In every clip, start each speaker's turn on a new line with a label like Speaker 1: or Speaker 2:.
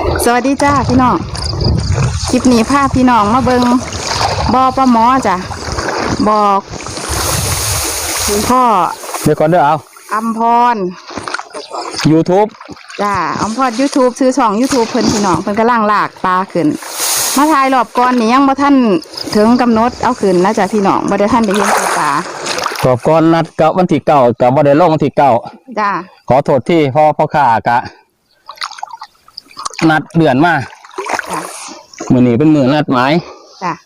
Speaker 1: สวัสดีจ้าพี่น้องคลิปนี้พาพี่น้องมาเบิงบ่อปลาหมอจ้ะบอกคุณพ่อ
Speaker 2: เดี๋ยวก่อนเด้อเอา
Speaker 1: อัมพร
Speaker 2: YouTube
Speaker 1: จ้าอัมพร YouTube ซื้อช่อง YouTube เพิ่นพี่น้องเพิ่นกำลังลากปลาขึ้นมาถ่ายรอบก่อนนี่ยังบ่ทันถึงกำหนดเอาขึ้นนะจ้ะพี่น้องบ่ได้ทันได้เห็นปลา
Speaker 2: ก่อนนัดกับวันที่9กับบ่ได้ลงวันที่9
Speaker 1: จ้า
Speaker 2: ขอโทษที่พ่อข้ากะนัดเดือนมามื้อนี้เป็นมื้อนัดหมาย
Speaker 1: จ้ะ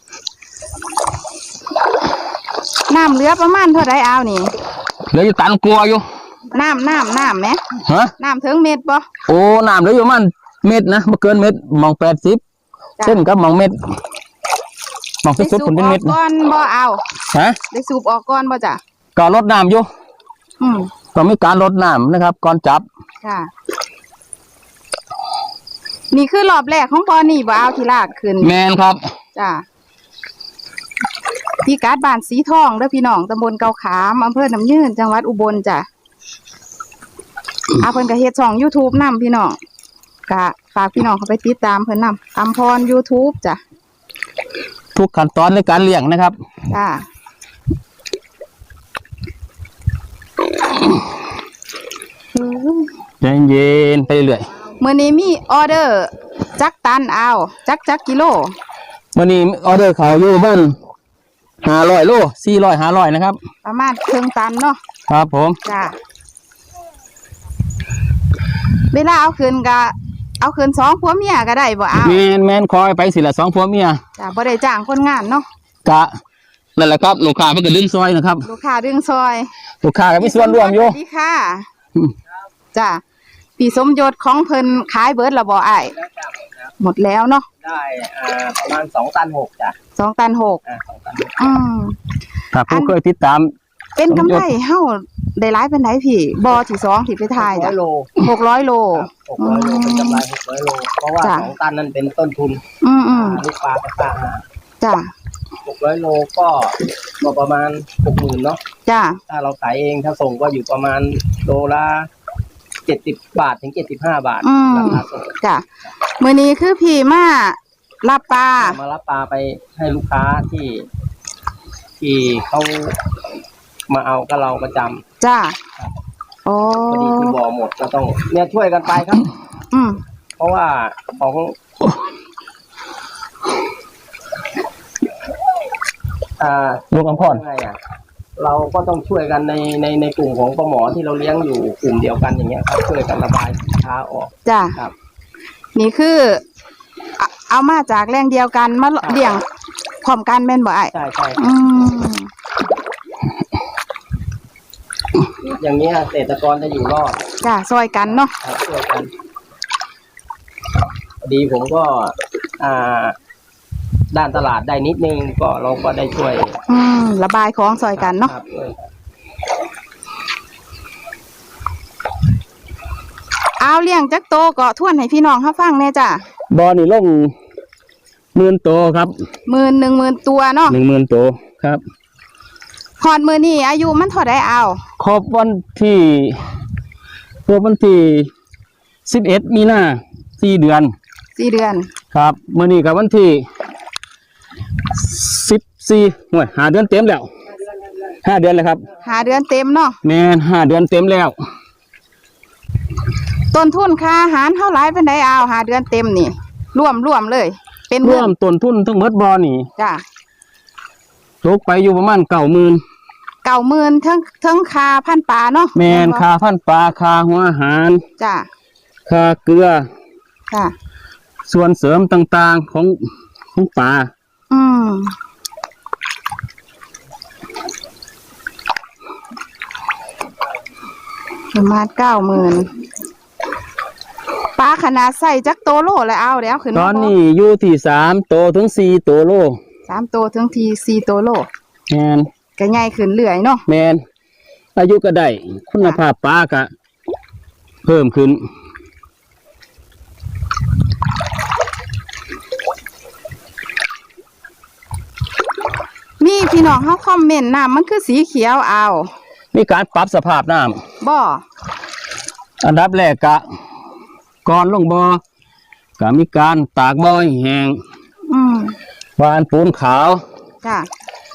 Speaker 1: น้ำเหลือประมาณเท่าไรเอานี่
Speaker 2: เหลืออยู่ตันกลัวอยู่
Speaker 1: น้ำไหม
Speaker 2: ฮะ
Speaker 1: น้ำถึงเม็ดป่
Speaker 2: โอ้น้ำเหลืออยู่ประมาณเม็ดนะบ่เกินเม็ดมอง80เส้นกับมองเม็ดมองสุดๆผลเป็นเม็ด
Speaker 1: ก้อนบ่เอา
Speaker 2: ฮะ
Speaker 1: ได้สูบออกก้อนบ่จ้ะ
Speaker 2: ก็ลดน้ำอยู่ก็มีการลดน้ำนะครับก่อนจับ
Speaker 1: ค่ะนี่คือรอบแรกของปอนี่บ่เอาที่ลากขึ้น
Speaker 2: แมนครับ
Speaker 1: จ้ะที่การ์ดบ้านสีทองเด้อพี่น้องตำบลเกาขามอำเภอน้ำยืนจังหวัดอุบลจ้ะเพิ่นก็เฮ็ดช่อง YouTube นำพี่น้องก็ฝากพี่น้องเข้าไปติดตามเพิ่นนำอัมพร YouTube จ้ะ
Speaker 2: ทุกขั้นตอนในการเลี้ยงนะครับ
Speaker 1: จ้ะ
Speaker 2: ใจเย็นไปเรื่อย
Speaker 1: มื้อนี้มีออเดอร์จักตันเอาจักกิโล
Speaker 2: มื้อนี้ออเดอร์เขาอยู่บ้าน500 โล400 500นะครับ
Speaker 1: ประมาณครึ่งตันเนาะ
Speaker 2: ครับผม
Speaker 1: จ้ะเวลาเอาคืนก็เอาคืน2ผัวเมียก็ได้บ่เอา
Speaker 2: แม่นคอยไปสิละ2ผัวเมีย
Speaker 1: จ้ะบ่ได้จ้างคนงานเนาะ
Speaker 2: กะนั่นแหละครับลูกค้าเพิ่นก็ดึงซอยนะครับ
Speaker 1: ลูกค้าดึงซอย
Speaker 2: ลูกค้าก็มีส่วนร่วมอยู่
Speaker 1: สวัสดีค่ะจ้ะปีสมยศของเพิ่นขายเบิดแล้วบ่อ้ายหมดแล้วเนาะ
Speaker 3: ได้ประมาณ2 ตัน 6จ้ะ
Speaker 1: 2 ตัน 6
Speaker 2: ถ้าผู้เคยติดตาม
Speaker 1: เป็นกำไรเฮาได้หลายปานใดพี่บ่อที่2ที่ไปถ่ายจ้ะ
Speaker 3: 600 โล
Speaker 1: 600 โล
Speaker 3: เป็นกำไร600 โลเพราะว่า2 ตันนั้นเป็นต้นทุนลูกปลากับปลา
Speaker 1: จ้ะ
Speaker 3: 600 โลก็ประมาณ 60,000 เนาะ
Speaker 1: จ้ะ
Speaker 3: ถ้าเราขายเองถ้าส่งก็อยู่ประมาณโลละ70 บาทถึง75 บาทราคาส่ง
Speaker 1: จ้ะมื้อนี้คือพี่มารับปลา
Speaker 3: ไปให้ลูกค้าที่เขามาเอากับเราประจำ
Speaker 1: จ้ะโอ้
Speaker 3: พอดีที่บ่อหมดก็ต้องเนี่ยช่วยกันไปครับเพราะว่าของ
Speaker 2: ลูกอัมพร
Speaker 3: เราก็ต้องช่วยกันในกลุ่มของปลาหมอที่เราเลี้ยงอยู่กลุ่มเดียวกันอย่างเงี้ยครับช่วยกันระบายสินค้าออก
Speaker 1: จ้ะ
Speaker 3: ครับ
Speaker 1: นี่คือเอามาจากแรงเดียวกันมาเลี้ยงพร้อมกันแม่นบ่อ้าย
Speaker 3: ใช่อย่างนี้เกษตรกรจะอยู่รอด
Speaker 1: จ้ะซอยกันเนาะ
Speaker 3: ช่วยกันดีผมก็ด้านตลาดได้นิดนึงก็เราก็ได้ช่วย
Speaker 1: ระบายของซอยกันเนาะเอาเลี้ยงจักโตก็ทวนให้พี่น้องเขาฟังแน่จ้ะ
Speaker 2: บ่อนี่ลง10,000 โตครับ
Speaker 1: 10,000ตัวเนาะ
Speaker 2: 10,000 โตครับ
Speaker 1: ฮอดมื้อนี้อายุมันเท่าใดเอา
Speaker 2: ครบวันที่11 มีนา4 เดือนครับมื้อนี้กับวันที่14ห้วย5 เดือนเต็มแล้ว5 เดือนแล้วครับ
Speaker 1: 5 เดือนเต็มเนาะ
Speaker 2: แม่น5 เดือนเต็มแล้ว
Speaker 1: ต้นทุนค่าอาหารเท่าไหร่เป็นไดเอา5 เดือนเต็มนี่รวมเลยเป็น
Speaker 2: รวมต้นทุนทั้งหมดบ่อนี่
Speaker 1: จ้ะ
Speaker 2: ตกไปอยู่ประมาณ 90,000
Speaker 1: ทั้งค่าพันปลาเนาะ
Speaker 2: แม่นค่าพันปลาค่าหัวอาหาร
Speaker 1: จ้ะ
Speaker 2: ค่าเกลือ
Speaker 1: ค่ะ
Speaker 2: ส่วนเสริมต่างๆของปลา
Speaker 1: ประมาณ 90,000ปลาขนาดใส่จักโตโลแล้วเอาแล้วขึ้น
Speaker 2: ตอนนี้อยู่ที่3 โตถึง 4 โตโล
Speaker 1: 3 โตถึง4 โตโล
Speaker 2: แม่น
Speaker 1: ก็ใหญ่ขึ้นเรื่อยเนาะ
Speaker 2: แม่นอายุก็ได้คุณภาพปลาก็เพิ่มขึ้น
Speaker 1: มีพี่น้องเขาคอมเมนต์น้ำมันคือสีเขียวเอา
Speaker 2: มีการปรับสภาพน้ำ
Speaker 1: บ่
Speaker 2: อันดับแรกกะก่อนลงบ่อก็มีการตากบ่อยแห้ง
Speaker 1: อืม
Speaker 2: วานปูนขาว
Speaker 1: จ้ะ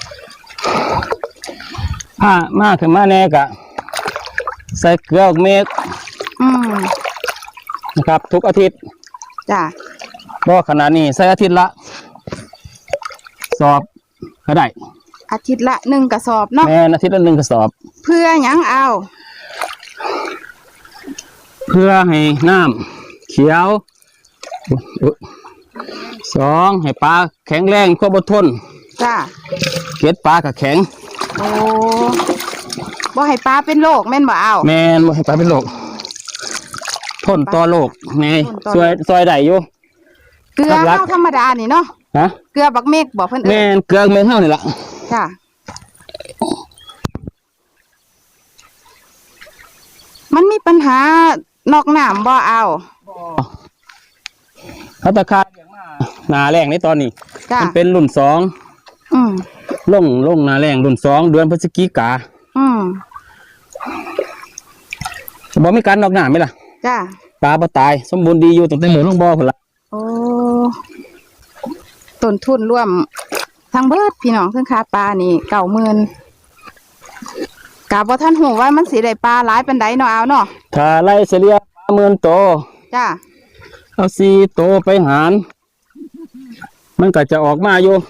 Speaker 2: ผ้ามาขึ้นมาแน่กะใส่เกลือเมฆ
Speaker 1: อืม
Speaker 2: นะครับ ทุกอาทิตย์
Speaker 1: จ้ะ
Speaker 2: บ่ขนาดนี้ใส่อาทิตย์ละสอบก็ได้
Speaker 1: อาทิตย์ละ1กระสอบเนาะ
Speaker 2: แม่นอาทิตย์ละ1กระสอบ
Speaker 1: เพื่อหยังเอา
Speaker 2: เพื่อให้น้ำเขียวอุ๊ยสองให้ปลาแข็งแรงควบอดทน
Speaker 1: จ้ะ
Speaker 2: เกล็ดปลากับแข็ง
Speaker 1: โอ้บ่ให้ปลาเป็นโรคแม่นบ่เอา
Speaker 2: แม่นบ่ให้ปลาเป็นโรคทนต่อโรคแน่
Speaker 1: ทนต่อ
Speaker 2: ซอยได้อยู่
Speaker 1: เกลือ
Speaker 2: ครับรัก
Speaker 1: เฮาธรรมดานี่เนาะ
Speaker 2: ฮะ
Speaker 1: เกลือบักเมกบ่เพิ่นเอิ้
Speaker 2: แม่
Speaker 1: น
Speaker 2: นเกลือเมนเท่านี่ล่ะ
Speaker 1: จ้ะมันมีปัญหานอกน้ำบ่เอา
Speaker 2: เขาตะคายอย่างมาหนาแรงในตอนนี้
Speaker 1: จ้ะ
Speaker 2: มันเป็นรุ่น2
Speaker 1: อืม
Speaker 2: ลงหนาแรงรุ่น2เดือนพฤศจิกา
Speaker 1: อืม
Speaker 2: บ่มีการนอกหน้าไหมล่ะ
Speaker 1: จ้ะ
Speaker 2: ปลาบ่ตายสมบูรณ์ดีอยู่ตั้งแต่หมูลงบ่อพุ่นล่ะ
Speaker 1: โอ้ต้นทุนร่วมทั้งเบิดพี่น้องเพิ่งค่าปลานี่90,000กะบ่ทันหูว่ามันสิได้ปลาหลายปานใดเนาะเอาเนาะ
Speaker 2: ถ้าไล่เฉลี่ยปลา10,000 โตว
Speaker 1: จ้ะ
Speaker 2: เอา4 โตวไปหาร มันก็จะออกมาอยู่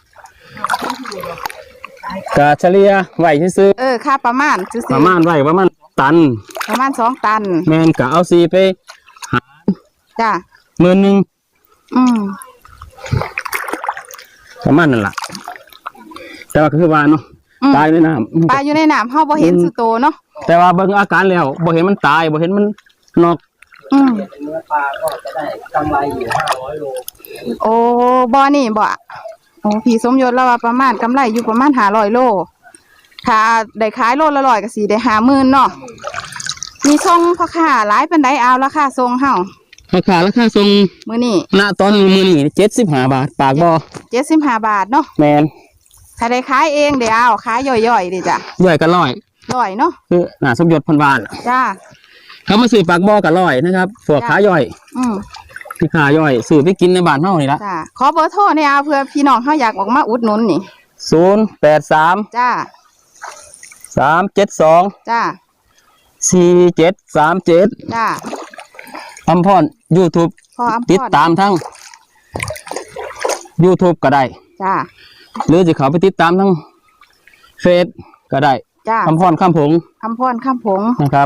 Speaker 2: กะเฉลี่ยไว้ซื่อ
Speaker 1: ค่าประมาณซื่อ
Speaker 2: ๆประมาณไว้ประมาณตัน
Speaker 1: ประมาณ2 ตัน
Speaker 2: แม่นก็เอา4ไป
Speaker 1: จ้ะ
Speaker 2: 10,000
Speaker 1: อืม
Speaker 2: ประมาณนั่นล่ะแต่ว่าก็คือว่าเนาะ
Speaker 1: อืม
Speaker 2: ตายในน้ำ
Speaker 1: ปลาอยู่ในน้ำเฮาบ่เห็นสุโตเนาะ
Speaker 2: แต่ว่าเบิ่งอาการแล้วบ่เห็นมันตายบ่เห็นมันนอก
Speaker 1: อืม
Speaker 3: เนื้อปลาก็จะได้กำไรอยู่500 โล
Speaker 1: โอ้บ่นี่บ่โอ้พี่สมยศแล้วว่าประมาณกำไรอยู่ประมาณ500 โลถ้าได้ขายโลละ100ก็สิได้50,000เนาะมีส่งพ่อค้าหลายปานใดเอาราคาส่งเฮา
Speaker 2: ราคาส่ง
Speaker 1: มื้อนี้
Speaker 2: ณตอนมื้อนี้75 บาทปากบ่
Speaker 1: 75 บาทเนาะ
Speaker 2: แม่น
Speaker 1: ถ้าได้ขายเองเดี๋ยวเอาขายย่อยๆดิจ้ะ
Speaker 2: ย่อยก็ร้อย
Speaker 1: ร้อยเนาะ
Speaker 2: คือน่าสมยศเพันวาน
Speaker 1: จ้า
Speaker 2: เขามาซื้อปากบ่อก็ร้อยนะครับพวกขาย่อย
Speaker 1: อืม
Speaker 2: ที่ขาย่อยซื้อไปกินในบ้านเฮานี่ละ
Speaker 1: จ้าขอเบอร์โทรเนี่ยเอาเพื่อพี่น้องเขาอยากออกมาอุดหนุนนี่
Speaker 2: 083
Speaker 1: จ้า
Speaker 2: 372
Speaker 1: จ้า
Speaker 2: 4737
Speaker 1: จ้า
Speaker 2: อำพร YouTube
Speaker 1: พออำพร
Speaker 2: ติดตามทั้ง YouTube ก็ได้
Speaker 1: จ้า
Speaker 2: หรือจะเข้าไปติดตามทั้งเฟซก็ได้
Speaker 1: จ้า
Speaker 2: อำพรข้ามผง
Speaker 1: อำพรข้ามผง
Speaker 2: นะครับ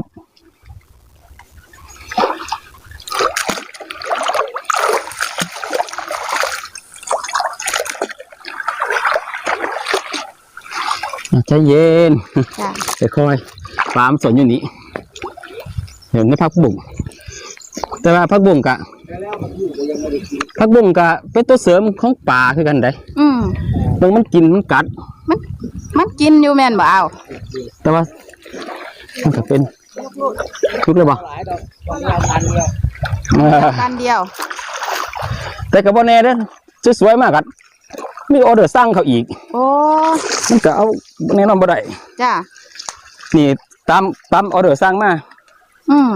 Speaker 2: ใจเย็น
Speaker 1: จ้า
Speaker 2: ค่อยๆปลามนสนอยู่นี้เห็นไหมพักบุ่งแต่ว่าพักบุ่งกะพักบุ่งกะเป็นตัวเสริมของป่าคือกันได้
Speaker 1: อืม
Speaker 2: บางมันกินมันกัด
Speaker 1: มันกินอยู่แม่นบ่เอา
Speaker 2: แต่ว่ามันก็เป็นทุกเลยบ่
Speaker 3: หลายดอกต้องยาวพันเดียว
Speaker 1: กันเดียว
Speaker 2: แต่กับว่าแน่เด้อสวยๆมากกันมีออเดอร์สร้างเขาอีก
Speaker 1: โอ้
Speaker 2: มันก็เอาแน่นอนบ่ได้
Speaker 1: จ้า
Speaker 2: นี่ตามออเดอร์สร้างมา
Speaker 1: อืม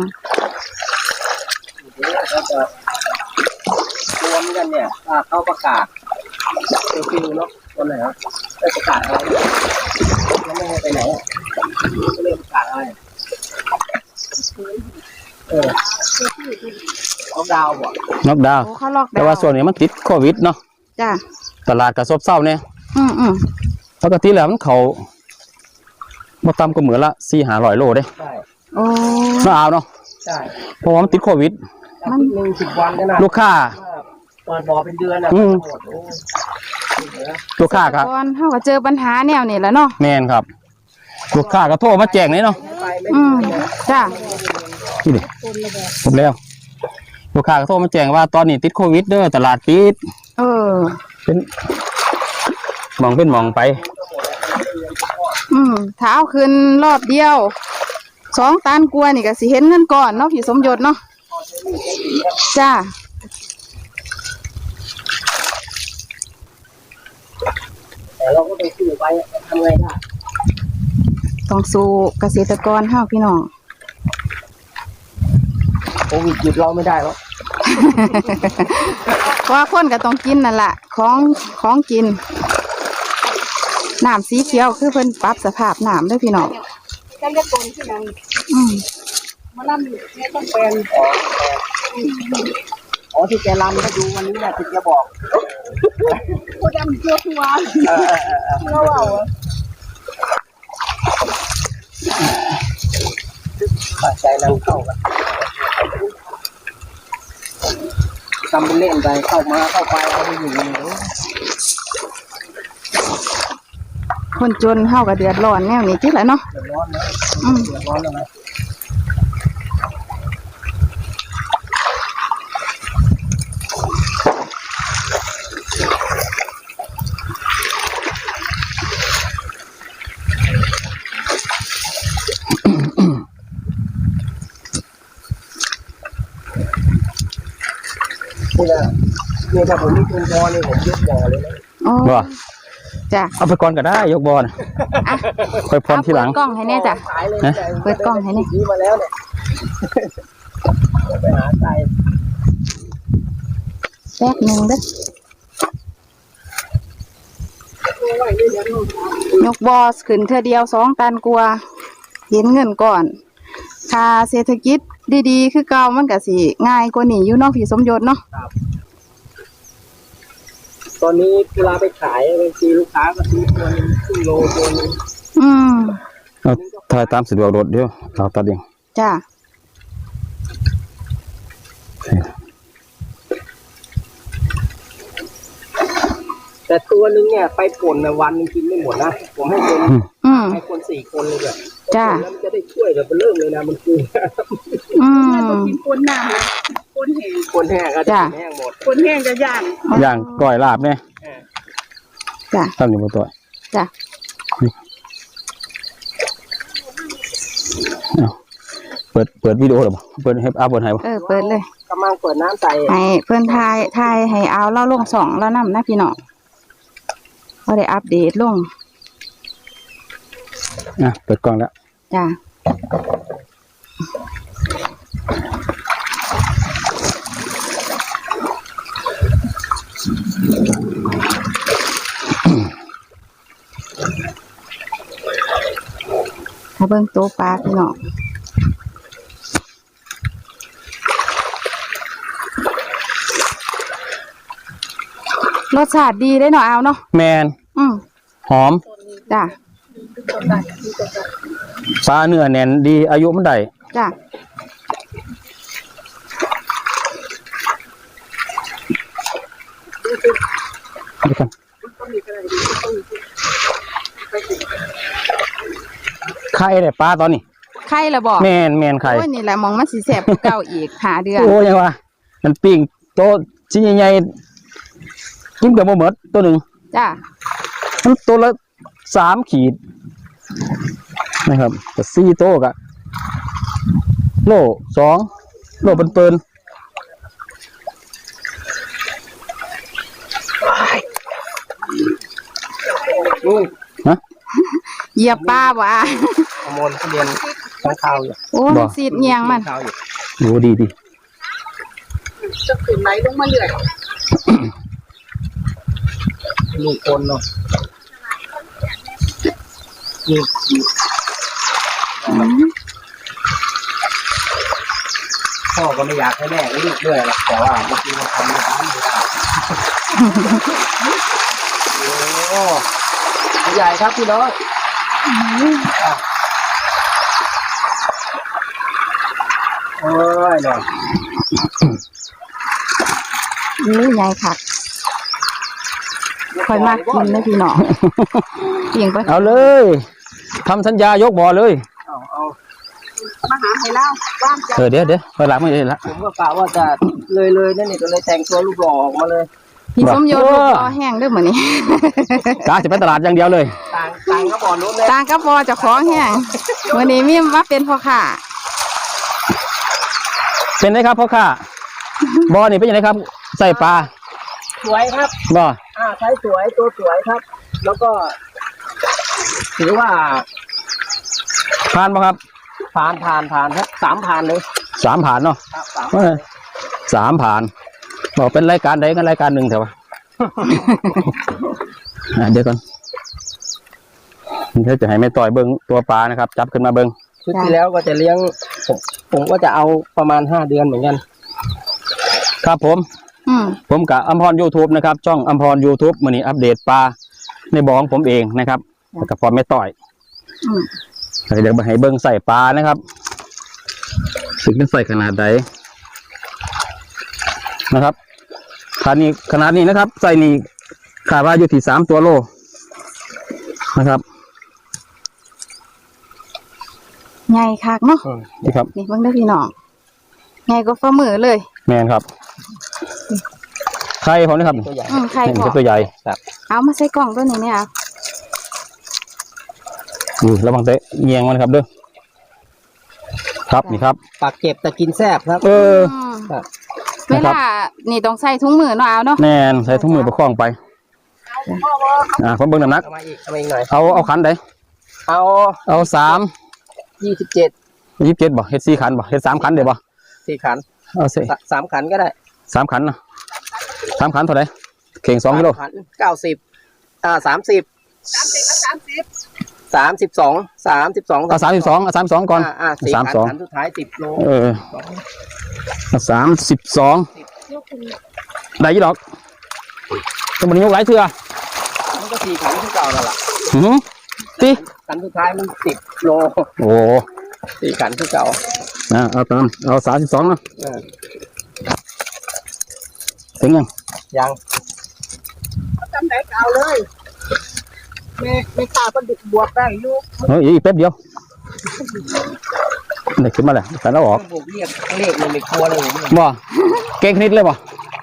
Speaker 3: ก็จะรวมกันเนี่ยเขาประกาศฟิวเนาะวันไหนครับได้ประกาศอะไรยังไม่ให้ไปไหนก็เลยประกาศอะไรเขาดาวบ่
Speaker 2: น็อกดาวน์
Speaker 1: โอ้เขาล็อกดาวน์
Speaker 2: แต่ว่าส่วนนี้มันติดโควิดเนาะ
Speaker 1: จ้า
Speaker 2: ตลาดก็ซบเซาเนี่ย
Speaker 1: อืม
Speaker 2: ปกติแล้วมันเขาบ่ต่ำกว่ามื้อละ400-500 โลเด้
Speaker 3: ใช่
Speaker 1: โอ้
Speaker 2: น่าเอาเนาะ
Speaker 3: ใช่
Speaker 2: เพราะว่ามันติดโควิด
Speaker 3: มัน10 วันก็น่า
Speaker 2: ลูกค้า
Speaker 3: เปิดบ่อเป็นเดือนอ่ะ
Speaker 2: อืม
Speaker 3: หมดโอ้
Speaker 2: ลูกค้าก็
Speaker 1: ก่อนเฮาก็เจอปัญหาแนวนี้แหล้วเนาะ
Speaker 2: แม่นครับ ลูกค้าก็โทรมาแจ้งเลยเนาะ
Speaker 3: ไปไม่
Speaker 1: อืมจ้า
Speaker 2: นี่ดิผมแล้ว ลูกค้าก็โทรมาแจ้งว่าตอนนี้ติดโควิดเด้อตลาดปิด
Speaker 1: เออ
Speaker 2: เป็นหมองไป
Speaker 1: ถ้าเอาขึ้นรอบเดียว2 ตันกว่านี่ก็สิเห็นเงินก่อนเนาะพี่สมยศเนาะจ้า
Speaker 3: แต่เราก็ต้องสู้ไปทำไงได้
Speaker 1: ต้องสู้เกษตรกรเฮาพี่น้อง
Speaker 3: โควิดหยุดเราไม่ได้หรอก
Speaker 1: เพราะว่าคนก็ต้องกินนั่นแหละของกินน้ำสีเขียวคือเพิ่นปรับสภาพน้ำด้วยพี่น้อง
Speaker 4: จะเรียกคนที่นั่น
Speaker 1: อืม
Speaker 4: มาล่ำเนี่ยต้องเป็น
Speaker 3: อ๋อที่แกรำให้ดูวันนี้นะที่แกบอก
Speaker 4: ผู้ดำตัวตัวเราเอา
Speaker 3: ใจนำเข้ากันทำเป็นเล่นไปเข้ามาเข้าไปเอาไปอยู่อย่างนี้
Speaker 1: คนจนเฮาก็เดือดร้อนแนวนี้จิแหละเนาะ
Speaker 3: เดือดร้อนนะ
Speaker 1: อืม
Speaker 3: เดือดร้อนแล้วนะนี่ถ้าผมไม่กินพอนี่ผมยกบ่อเลยนะ
Speaker 1: อ๋อ
Speaker 2: บ่
Speaker 1: จ้ะ
Speaker 2: เอาไปก่อนก็ได้ยกบอล
Speaker 1: อ่ะ
Speaker 2: ค่อยพรทีหลัง
Speaker 1: เปิดกล้องให้แน่จ้ะ
Speaker 3: ขายเลย
Speaker 2: ฮะ
Speaker 1: เปิดกล้องให้นี่
Speaker 3: นี่มาแล้วเนี่ยไปหาไก่
Speaker 1: แป๊บหนึงเด้อยกบอสขึ้นเธอเดียว2 ตันกว่าเห็นเงินก่อนค่าเศรษฐกิจดีๆคือเก่ามันก็สิง่ายกว่านี้อยู่เนาะพี่สมยศเนาะ
Speaker 3: ตอนนี้เวลาไปขายบางทีลูกค้าก็ซื้อตัวนึงครึ่งโลตัวนึง
Speaker 1: อืม
Speaker 2: เอาถ่ายตามสะดวกรถเดียวเราตัดเอง
Speaker 1: จ้ะ
Speaker 3: แต่ตัวนึงเนี่ยไปป่นในวันนึงกินไม่หมดนะผมให้คน
Speaker 1: อืม
Speaker 3: ให้คน4 คนเลยแบบ
Speaker 1: จ้ะ
Speaker 3: แล้วมันจะได้ช่วยแบบเริ่มเลยนะมันคือ
Speaker 1: อืม
Speaker 4: กินคนน้ำเลยคนแห้ง
Speaker 3: คนแห้งก็จะ
Speaker 1: จ้ะ
Speaker 3: แห้งหมด
Speaker 4: คนแห้งจะย่าง
Speaker 2: อย่างก้อยลาบเนี่ย
Speaker 1: จ้ะ
Speaker 2: ทำอยู่บนตัว
Speaker 1: จ้ะ
Speaker 2: เอาเปิดวิดีโอหรอบ่เปิดให้เปิดให้บ่
Speaker 1: เปิดเลย
Speaker 3: กำลังเปิดน้ำใส่
Speaker 1: ให้เพิ่นทายให้เอาเล่าลง2แล้วนำนะพี่น้องบ่ได้อัปเดตลง
Speaker 2: เปิดกล้องแล้ว
Speaker 1: จ้ะมาเบิ่งโต๊ะปลาพี่น้องรสชาติดีได้เนาะเอาเนาะ
Speaker 2: แมน
Speaker 1: อืม
Speaker 2: หอม
Speaker 1: จ้ะ
Speaker 2: ปลาเนื้อแน่นดีอายุมันได้
Speaker 1: จ้ะ
Speaker 2: ดูกันไข่ได้ปลาตอนนี้
Speaker 1: ไข่ละบ่
Speaker 2: แมนไข่
Speaker 1: โอ้ยนี่แหละมองมันสิแสบกว่าเก่าอีกหาเดือน
Speaker 2: โอ้ยังวะมันปิ้งโตชิ้นใหญ่ๆกินกับบ่หมดตัวหนึ่ง
Speaker 1: จ้ะ
Speaker 2: มันตัวละ3 ขีดนะครับแต่4 โตกะโล2 โลเปิ้น
Speaker 3: นู่น
Speaker 2: ๆนะ
Speaker 1: เหยียบปลาบ่อ่ะ
Speaker 3: ขโมยเขาเรียนข้างข่าวอยู่
Speaker 1: โอ้มันสีดเงียงมัน
Speaker 3: ข้าวอยู่
Speaker 2: โอ้ดี
Speaker 4: จะขึ้นไหลลงมาเรื่อย
Speaker 3: ลูกคนเนาะนี่พ่อก็ไม่อยากให้แม่เรียกด้วยหรอกแต่ว่าบางทีมันทำไม่ได้โอ้ใหญ่ครับพี่น้องโอ้ยเนาะ
Speaker 1: นี่ใหญ่คักค่อยมากกินเลยพี่น้องเพียงไป
Speaker 2: เอาเลยทำสัญญายกบ่อเลย
Speaker 3: เอา
Speaker 4: มาหาให้เล่าว่างจะ
Speaker 2: เดี๋ยวไปหลังไม่ได้ละ
Speaker 3: ผมก็กะว่าจะเลยนั่นนี่ก็เลยแต่งตัวลูกหล่อออกมาเลย
Speaker 1: พี่สมยศลูกคอแห้งเด้วยเหมือนนี้
Speaker 2: กาจะไปตลาดอย่างเดียวเลย
Speaker 3: ต่างก็บ่อนู้นเลย
Speaker 1: ต่างกับพอเจะของแห้งวันนี้มีมาเป็นพ่อค้า
Speaker 2: เป็นไงครับพ่อค้าบ่อนี่เป็นยังไงครับ ใส่ปลา
Speaker 3: สวยครับ
Speaker 2: บ่อ
Speaker 3: ใช้สวยตัวสวยครับ แล้วก็ ถือว่า
Speaker 2: ผ่านป่ะครับ
Speaker 3: ผ่านครับ3 ผ่านเลย
Speaker 2: 3 ผ่านเนาะ
Speaker 3: ครับ
Speaker 2: เออ 3ผ่านบอกเป็นรายการใดกันรายการหนึ่งเถอะวะ เดี๋ยวก่อนเดี๋ยวจะให้แม่ต่อยเบิ้งตัวปลานะครับจับขึ้นมาเบิ้ง
Speaker 3: ชุดที่แล้วก็จะเลี้ยงผมก็จะเอาประมาณ5 เดือนเหมือนกัน
Speaker 2: ครับผม ผมกับอัมพร YouTube นะครับช่องอัมพร YouTube มื้อนี้อัปเดตปลาในบ่อของผมเองนะครับแล้วก็พร้อมแม่ต่อยเดี๋ยวให้เบิ้งใส่ปลานะครับถึงเป็นใส่ขนาดใดนะครับขนาดนี้นะครับใส่นี่ขาดว่าอยู่ที่3 ตัวโลนะครับ
Speaker 1: ใหญ่คักเนาะ
Speaker 2: นี่ครับ
Speaker 1: นี่เบิ่งได้อพี่น้องใหญ่กว่าฝ่ามือเลย
Speaker 2: แมนครับไข่ผมนะครับ
Speaker 3: ตัวใหญ่
Speaker 1: ใคร
Speaker 2: นี่
Speaker 1: พอ
Speaker 2: คือตัวใหญ่
Speaker 1: เอามาใส่กล่องตัวนี้เนี่ย
Speaker 2: ระวังเตะเงียงมันครับเด้อครับนี่ครับ
Speaker 3: ปากเก็บแต่กินแซ่บครับ
Speaker 2: เออ
Speaker 3: ครับ
Speaker 1: เวลานี่ต้องใส่ถุงมือเนาะเอาเนาะ
Speaker 2: แน่นใส่ถุงมือประคองไปผมเบิ่งน้ำหนัก
Speaker 3: เอามาอีกหน่อย
Speaker 2: เอาขันใด
Speaker 3: เอา
Speaker 2: เอา
Speaker 3: 27
Speaker 2: 27บ่เฮ็ด4ขันบ่เฮ็ด3ขันเดี๋ยวบ่
Speaker 3: 4 ขัน
Speaker 2: เอาสิ
Speaker 3: 3 ขันก็ได้
Speaker 2: 3ขันนะ3ขันเท่าไหร่เข่ง2 กิโล
Speaker 3: 3 ขัน90 32
Speaker 2: เอา32ก่อน
Speaker 3: 4 ขัน
Speaker 2: 32
Speaker 3: ขันสุดท้าย10 โล
Speaker 2: 32ได้ยี่ดอกจะมันยกหลายเทื่อ
Speaker 3: มันก็4 ขันที่เก่าแล้วล่ะ
Speaker 2: ติ
Speaker 3: ขันสุดท้ายมัน10 โล
Speaker 2: โอ้
Speaker 3: 4 ขันที่เก่า
Speaker 2: เอา32นะถึงยัง
Speaker 3: ยัง
Speaker 4: จำไหนเก่าเลยไม่กล้าก็ดึกบวกได้อยู่
Speaker 2: เฮ้ยอีกแป๊บเดียวนี่ขึ้นมาเลยแต่เราออก
Speaker 3: บวกเรียกเลขมันไม่กลัวเลยผม
Speaker 2: บ่เก่งนิดเลยบ่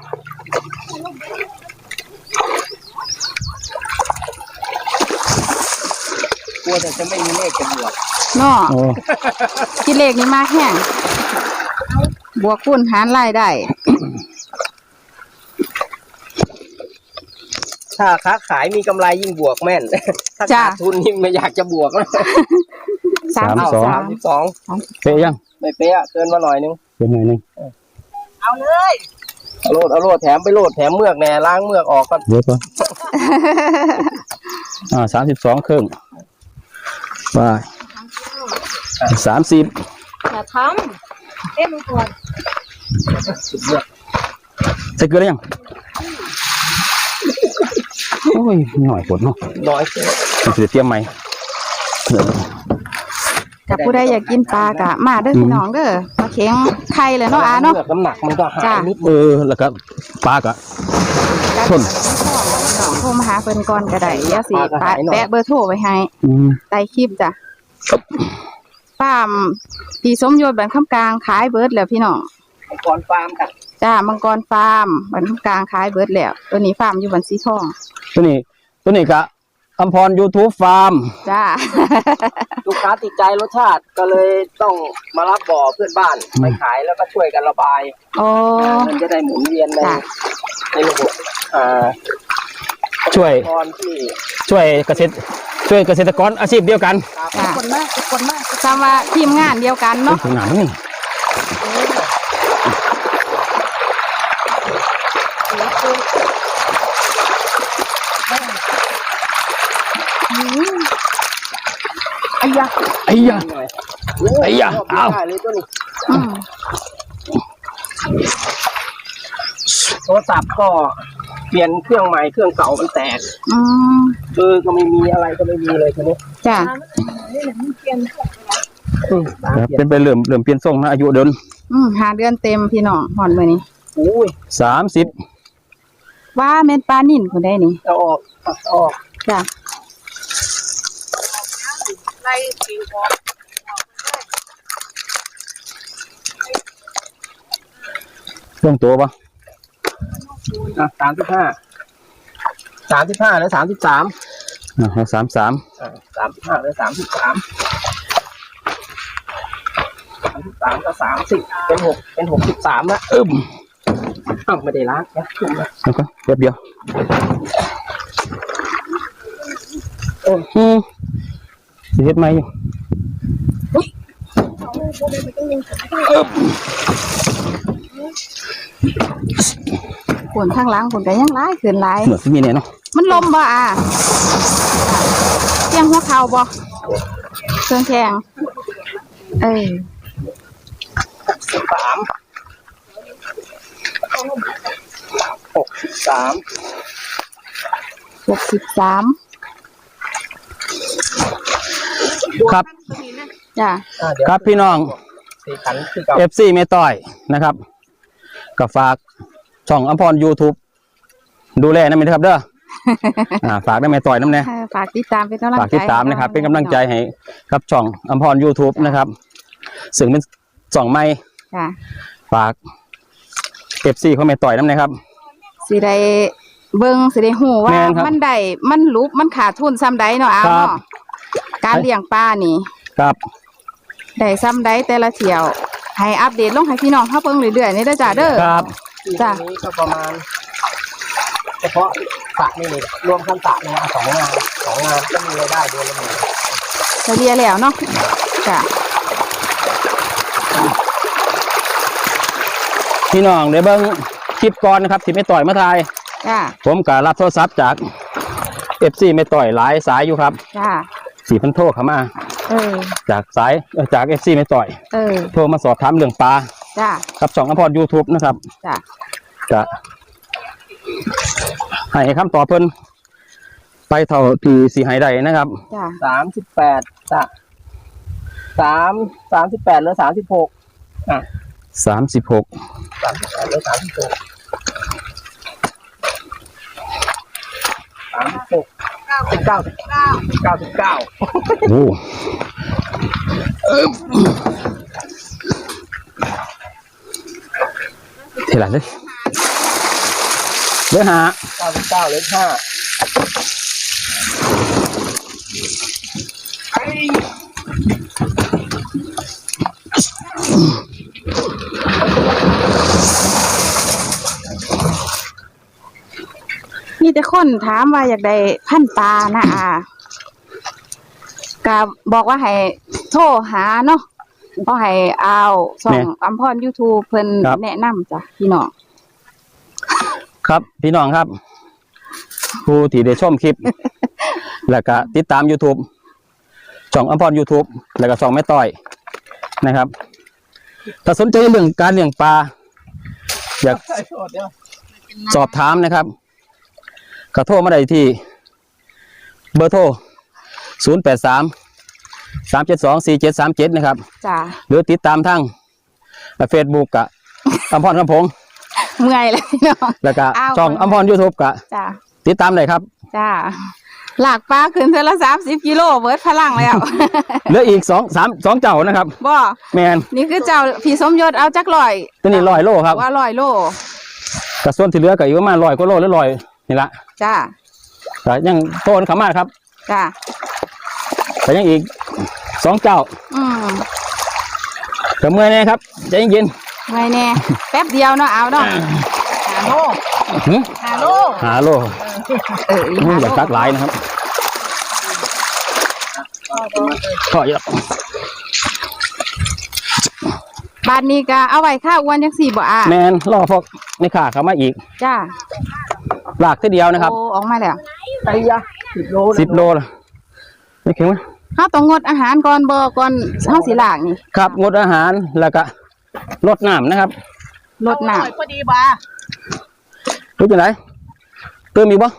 Speaker 3: กลัวแต่จะไม่มีเลขจะบวก
Speaker 1: เนาะ
Speaker 2: โอ้
Speaker 1: คิดเลขนี้มากแห้งบวกคูณหารรายได้
Speaker 3: ถ้าค้าขายมีกำไรยิ่งบวกแม่น ถ้า
Speaker 1: จ้ะ
Speaker 3: ขาดทุนนี่ไม่อยากจะบวกนะ
Speaker 1: 32
Speaker 2: เป๊ะยัง
Speaker 3: ไม่เป๊ะเกินมาหน่อยนึง
Speaker 2: เป็นหน่อยนึง
Speaker 4: เอาเลย
Speaker 3: เอาโลดแถมไปโลดแถมเมือกแน่ล้างเมือกออกก่อน
Speaker 2: เดี๋ยวก่อน32ครึ่งไป30
Speaker 4: อย่าทำดูก่อน
Speaker 2: ใส่เกลือได้ยังโอ้ยหน่อยปวดเนาะ
Speaker 3: น้อย
Speaker 2: มันจะเตรียมไหม
Speaker 1: กับผู้ใดอยากกินปลากะมาเด้อพี่น้องเด้อมาเข็งไข่เลยเนาะอาเนาะ
Speaker 3: เมือกน้ำหนักมันก็หายนิด
Speaker 2: แล้วก็ปลากะทน
Speaker 1: โทรมาหาเพิ่นก่อนก็ได้เดี๋ยวสิแปะเบอร์โทรไว้ให้ใต้คลิปจ้ะฟาร์มพี่สมยศบ้านคำกลางขายเบิดแล้วพี่น้อง
Speaker 3: ก่อนฟาร์มกัน
Speaker 1: จ้ามังกรฟาร์มบ้านคำกลางขายเบิดแล้วตัวนี้ฟาร์มอยู่บ้านสีทอง
Speaker 2: ตัวนี้กะอัมพร YouTube ฟาร์ม
Speaker 1: จ้า
Speaker 3: ลูกค้าติดใจรสชาติก็เลยต้องมารับบ่อเพื่อนบ้านไปขายแล้วก็ช่วยกันระบาย
Speaker 1: โอ้
Speaker 3: มันจะได้หมุนเวียนใน
Speaker 1: จ้ะ
Speaker 3: ระบบ
Speaker 2: ช่วย
Speaker 3: ตอนที่
Speaker 2: เกษตรกรอาชีพเดียวกัน
Speaker 1: จ้า
Speaker 4: คนมากคนมาก
Speaker 1: ทำว่าทีมงานเดียวกันเนาะ
Speaker 2: ถึงหนาแล้วนี่
Speaker 4: ไอ้ยา
Speaker 2: ไอ้ยะ
Speaker 3: หน่อย
Speaker 2: ไอ้ยะเอา
Speaker 3: ได้เลยตัวนี้
Speaker 1: อืม
Speaker 3: โทรศัพท์ก็เปลี่ยนเครื่องใหม่เครื่องเก่ามันแตก
Speaker 1: อืม
Speaker 3: ก็ไม่มีอะไรก็ไม่มีเลยทีนี้
Speaker 1: จ้า
Speaker 4: นี่แหละมันเปลี่ยน
Speaker 2: ครับเป็นไปเริ่มเปลี่ยนทรงนะอายุเดิน
Speaker 1: 5 เดือนเต็มพี่น้องหอนมื้อนี้
Speaker 3: อุ้ย
Speaker 2: 30
Speaker 1: ว่าแม่นปลานิ่นคนได้นี่
Speaker 3: เอาออกเอาออก
Speaker 1: จ้า
Speaker 4: ไล่ปีกออก
Speaker 2: เครื่องตัวปะ
Speaker 3: 35หรือ33
Speaker 2: เอา33
Speaker 3: 35หรือ33 33ก็30เป็น63แล้วไม่ได้ล้างนะ
Speaker 2: แล้วก็แป๊บเดียวสิเฮ็ดไหมอยู่
Speaker 1: ฝนข้างหล่างฝนก็ยังร้ายขึ้นร้าย
Speaker 2: เหมือนที่มีเนี่ยเนาะ
Speaker 1: มันลมบ่เตียงหัวเข่าบ่เครื่องแข็ง
Speaker 3: 63
Speaker 1: 63
Speaker 2: ครับ
Speaker 1: จ้ะ
Speaker 2: ครับพี่น้อง
Speaker 3: สี่ขันคือเก่า
Speaker 2: FC เมต้อยนะครับก็ฝากช่องอัมพร YouTube ดูแลนะมิครับเด้อ ฝากได้เมต้อยน้ำแน่
Speaker 1: ฝากติดตามเป็นกำลังใจ
Speaker 2: ฝากติดตามนะครับ เป็นกำลังใจให้ครับช่องอัมพร YouTube นะครับซึ่งเป็นช่องใหม่
Speaker 1: จ้ะ
Speaker 2: ฝาก FC เขาเมต้อยน้ำแน่ครับ
Speaker 1: สิได้เบิ่งสิได้ฮู้ว่า
Speaker 2: แม่นครับ
Speaker 1: มันได้มันลุบมันขาดทุนซ้ำใดเนาะเอา
Speaker 2: ครับ
Speaker 1: เนาะการเลี้ยงปลานี่
Speaker 2: ครับ
Speaker 1: ได้ซ้ำใดแต่ละเที่ยวให้อัปเดตลงให้พี่น้องเฮาเบิ่งเรื่อยๆนี่เด้อจ้ะเด้อ
Speaker 2: ครับ
Speaker 1: จ้ะ
Speaker 3: ทีนี้ก็ประมาณเฉพาะสระนี่เลยรวมทั้งสระเนี่ย2 งานก็มีรายได้เดือนละ10,000
Speaker 1: เฉลี่ยแล้วเนาะจ้ะ
Speaker 2: พี่น้องเดี๋ยวเบิ่งคลิปก่อนนะครับที่เมต้อยมาถ่าย
Speaker 1: จ้ะ
Speaker 2: ผมก็รับโทรศัพท์จาก FC เมต้อยหลายสายอยู่ครับ
Speaker 1: จ้ะ
Speaker 2: 4,000โทรเข้ามา จากจาก FC เมต้อย โทรมาสอบถามเรื่องปลา
Speaker 1: จ้ะ
Speaker 2: กับช่องอัมพร YouTube นะครับ
Speaker 1: จ้ะ
Speaker 2: จะให้คำตอบเพิ่นไปเท่าที่สีให้ได้นะครับ
Speaker 1: จ้ะ
Speaker 3: 38สระ38เหลือ36
Speaker 2: 36
Speaker 3: 38เหลือ36 99
Speaker 2: โอ้เท่าไหร่เลยเหลือห้า
Speaker 3: 99เหลือ5
Speaker 1: มีแต่คนถามว่าอยากได้พันธุ์ปลานะก็บอกว่าให้โทรหาเนาะเพราะให้เอาส่องอัมพร YouTube เพิ่นแนะนำจ้ะพี่น้อง
Speaker 2: ครับพี่น้องครับ ผู้ที่ได้ชมคลิป แล้วก็ติดตาม YouTube ช่องอัมพร YouTube แล้วก็ช่องแม่ต้อยนะครับ ถ้าสนใจเรื่องการเลี้ยงปลาอยากสอบถามนะครับก็โทรมาได้ที่เบอร์โทร 083-372-4737 นะครับ
Speaker 1: จ้ะ
Speaker 2: หรือติดตามทาง Facebook กับอัมพรคำพงษ์
Speaker 1: เมื่อยเลยพี่น้อง
Speaker 2: แล้วก็
Speaker 1: อ้าว
Speaker 2: ช่องอัมพร YouTube กับ
Speaker 1: จ้ะ
Speaker 2: ติดตามได้ครับ
Speaker 1: จ้ะหลากปลาขึ้นเทอละ30 กิโลเบิดพลังแล้ว
Speaker 2: เหลืออีก2เจ้านะครับ
Speaker 1: บ่
Speaker 2: แมน
Speaker 1: นี่คือเจ้าพี่สมยศเอาจักร้อย
Speaker 2: ตัวนี้100 โลครับ
Speaker 1: ว่า100 โล
Speaker 2: กระส่วนที่เหลือก็อยู่ประมาณ100 กว่าโลหรือ100นี่ละ
Speaker 1: จ้ะ
Speaker 2: แต่ยังโตนขามาครับ
Speaker 1: จ้ะ
Speaker 2: แต่ยังอีก2 เจ้า ก็เมื่อยแน่ครับใจเย็น
Speaker 1: ไม่แน่แป๊บเดียวเนาะเอาเนาะ
Speaker 4: 5 โล
Speaker 2: ๆหึ
Speaker 4: 5 โล
Speaker 2: หาโล
Speaker 1: อี
Speaker 2: มึง
Speaker 1: หา
Speaker 2: อยาก
Speaker 1: โล
Speaker 2: ตักหลายนะครับก็เยอะ
Speaker 1: บ้านนี้ก็เอาไว้ค่าอ้วนจังสี่บ่อ่ะ
Speaker 2: แมนรอพวกในขาเข้ามาอีก
Speaker 1: จ้า
Speaker 2: หลากทีเดียวนะครับ
Speaker 1: โอ้ออกมาแล้ว
Speaker 3: ไอ้ยะ10 โล
Speaker 2: 10 โลละไม่เข็งไหม
Speaker 1: เฮาต้องงดอาหารก่อนบ่ก่อนเฮาสิล้างนี่
Speaker 2: ครับงดอาหารแล้วก็ลดน้ำนะครับ
Speaker 1: ลดน้ำ
Speaker 4: พอดีบ่า
Speaker 2: รู้จังไหนเติมอีกบ่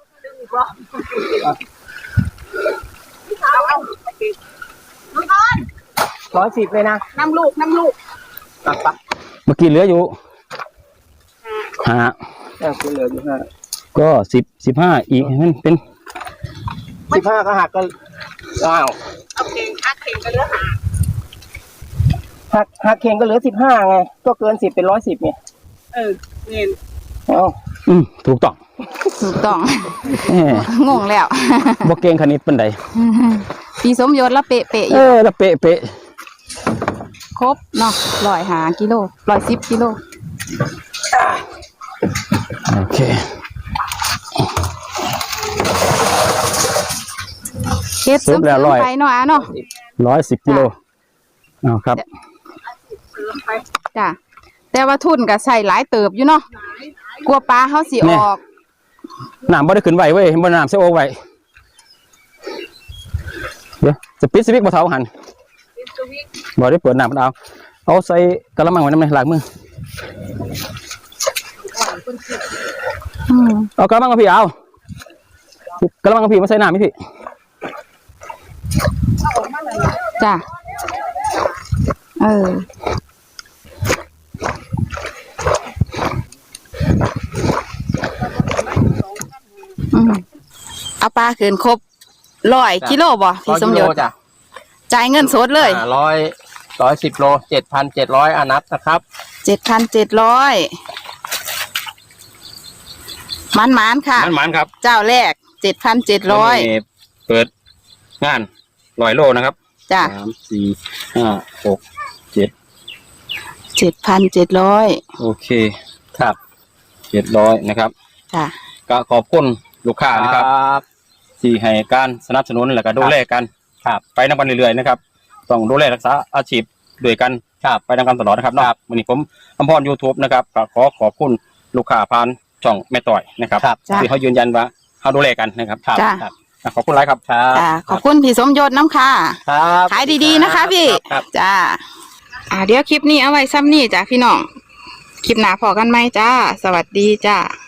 Speaker 4: เอาน้องก้อน
Speaker 3: 110เลยนะ
Speaker 4: น้ำลูก
Speaker 3: ปัก
Speaker 2: เมื่อกี้เหลืออยู่หา
Speaker 3: คุณเหลืออยู่5
Speaker 2: ก็15อีกนั่นเป็น
Speaker 3: 15ก็หักก็อ้าว
Speaker 4: เอาเข่งคักเข่งก็เหลือ
Speaker 3: หักเข่งก็เหลือ15ไงก็เกิน10เป็น110ไง
Speaker 4: 5เงิน
Speaker 3: เอ้า
Speaker 2: ถูกต้อง
Speaker 1: ถูกต้อง
Speaker 2: แหม
Speaker 1: งงแล้ว
Speaker 2: บ่เก่งคณิตปานใด
Speaker 1: พี่สมยศละเป๊ะๆอยู่
Speaker 2: แล้วเป๊ะ
Speaker 1: ครบเนาะ105 กิโล110 กิโล
Speaker 2: โอเค
Speaker 1: เฮ็ด
Speaker 2: สุ
Speaker 1: ซึ
Speaker 2: ก
Speaker 1: ม
Speaker 2: แล้วร้อย
Speaker 1: ไปเนาะอ่ะเนาะ
Speaker 2: 110 กิโลอ้าวครับ
Speaker 1: จ้ะแต่ว่าทุนก็ใส่หลายเติบอยู่เนาะกลัวปลาเขาสิออก
Speaker 2: น้ำบ่ได้ขึ้นไหวเว้ยบ่น้ำเสียโอไว้เดี๋ยวจะปิดสวิตช์บ่เท่าหันบ่ได้เปิดน้ำมันเอาใส่กระมังไว้น้ำในล้างมือเอากระมังกับพี่เอากระมังกับพี่มาใส่น้ำไหมพี่
Speaker 1: จ้ะเอาปลาขึ้นครบ100 กิโลบ่พี่สมยศ
Speaker 3: จ้ะ
Speaker 1: จ่ายเงินสดเลย
Speaker 3: 110 โล 7,700อานับนะครับ
Speaker 1: 7,700มันค่ะ
Speaker 2: มันครับ
Speaker 1: เจ้าแรก 7,700
Speaker 2: เปิดงาน100 โลนะครับ
Speaker 1: จ้ะ
Speaker 2: 3 4 5 6
Speaker 1: 7,700
Speaker 2: โอเคครับ700นะครับ
Speaker 1: จ้ะ
Speaker 2: ก็ขอบคุณลูกค้านะครับที่ให้การสนับสนุนและก็ดูแลกันครับไปนำกันเรื่อยๆนะครับต้องดูแลรักษาอาชีพด้วยกันครับไปนำกันตลอดนะครับวันนี้ผมอำพร YouTube นะครับก็ขอบคุณลูกค้าผ่านช่องแม่ต่อยนะครับที่เขายืนยันว่าเขาดูแลกันนะครับ
Speaker 1: จ้ะ
Speaker 2: ขอบคุณหลายครับ
Speaker 1: จ้ะขอบคุณพี่สมยศน้ำค่ะ
Speaker 3: ครับ
Speaker 1: ขายดีๆนะคะพี่ จ้าเดี๋ยวคลิปนี้เอาไว้ซ้ำนี่จ้ะพี่น้อง คลิปหน้าพอกันไหมจ้า สวัสดีจ้า